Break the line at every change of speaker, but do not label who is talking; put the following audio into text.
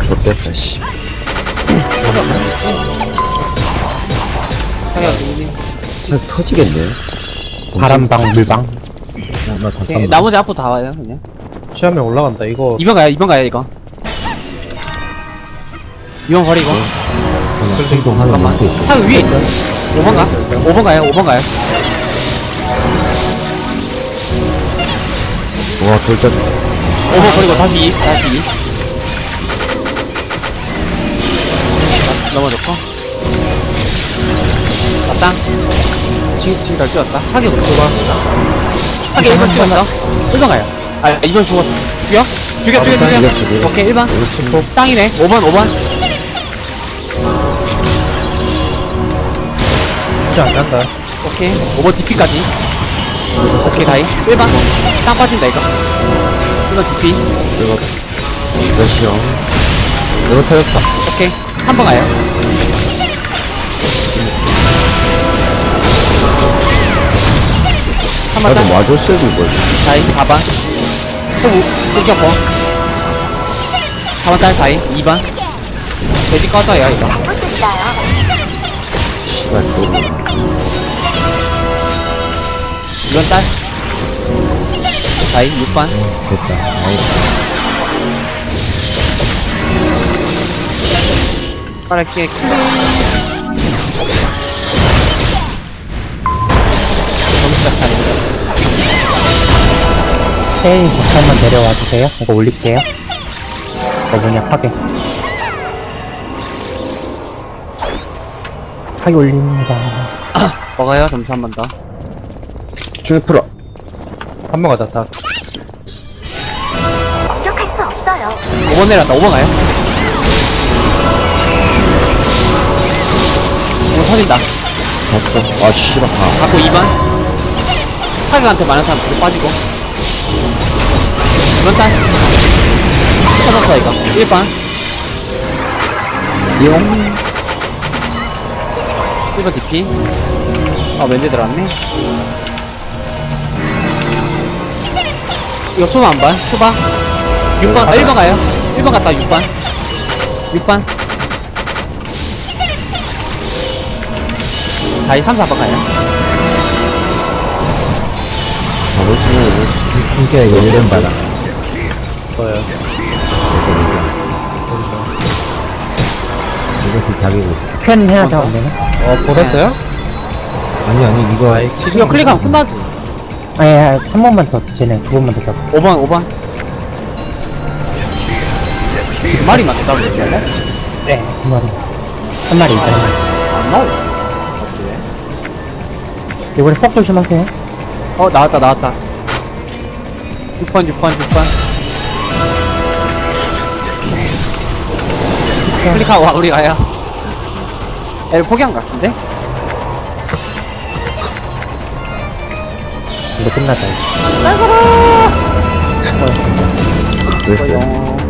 좆됐다, 씨. 잘 터지겠네.
바람방, 물방.
나
오케이,
잠깐만.
나머지 앞으로 다 와요 그냥.
취하면 올라간다. 이거
2번 가요 2번 가요 이거. 2번 버리고.
행동 하나
잠깐만.
놓고 있어.
차 위에 있어. 5번 가. 5번 가요 5번 가요.
와, 돌전.
5번 버리고 다시 2 다시 2. 넘어졌고. 맞다. 지금 잘 뛰었다. 사격으로 봐. 사격 1번 찍었어. 1번 가요. 아 2번 죽었어. 죽여? 죽여.
죽여.
오케이 1번. 땅이네. 5번.
진짜 안 간다.
오케이 5번 DP까지. 오케이 다이 1번 땅 빠진다 이거. 1번 DP.
이거, 몇이요? 이거 터졌다.
오케이 3번 가요. 3번
나도
땅
와줬어야 이걸.
다이 4번 소부 끊겼고 4번 딸 다이 2번 돼지 꺼져요 이거.
씨발, 도로.
2번 딸 다이 6번
됐다. 나이스.
빠르게 점수가 차이.
세일 잠깐만 내려와 주세요. 이거 올릴게요. 뭐냐, 파괴. 파괴 올립니다.
먹어요 점수 한 번 더.
줄 풀어.
한 번 가자. 다.
공격할 수 없어요.
5번 내려왔다 5번 가요. 5번 터진다.
봤어. 아, 씨발. 아,
갖고 2번 타격한테 많은 사람 뒤로 빠지고 2번 딸 터졌어 이거 1번
용.
1번 DP 아 왠지 들어왔네. 이거 수바 안봐 수바 6번 1번 가요 1번 갔다 6번 다이 3, 4번 가요.
바로 치면
이게
이거 1년 받아.
뭐야?
이것도 자기고 있어.
펜 해야 돼, 안 되나?
보냈어요?
아니, 이거.
아이,
이거 클릭하면 끝나지.
아니, 한 번만 더, 쟤네 두 번만 더 잡고.
5번 두 마리 맞다 이렇게 할래?
네, 두 마리. 한 마리 있다, 한 마리.
안 나오네.
이번에 폭 조심하세요.
나왔다 6번 클릭하고 와 우리 가요. 애를 포기한 것 같은데?
이제 끝났다, 이제.
됐어요.
어,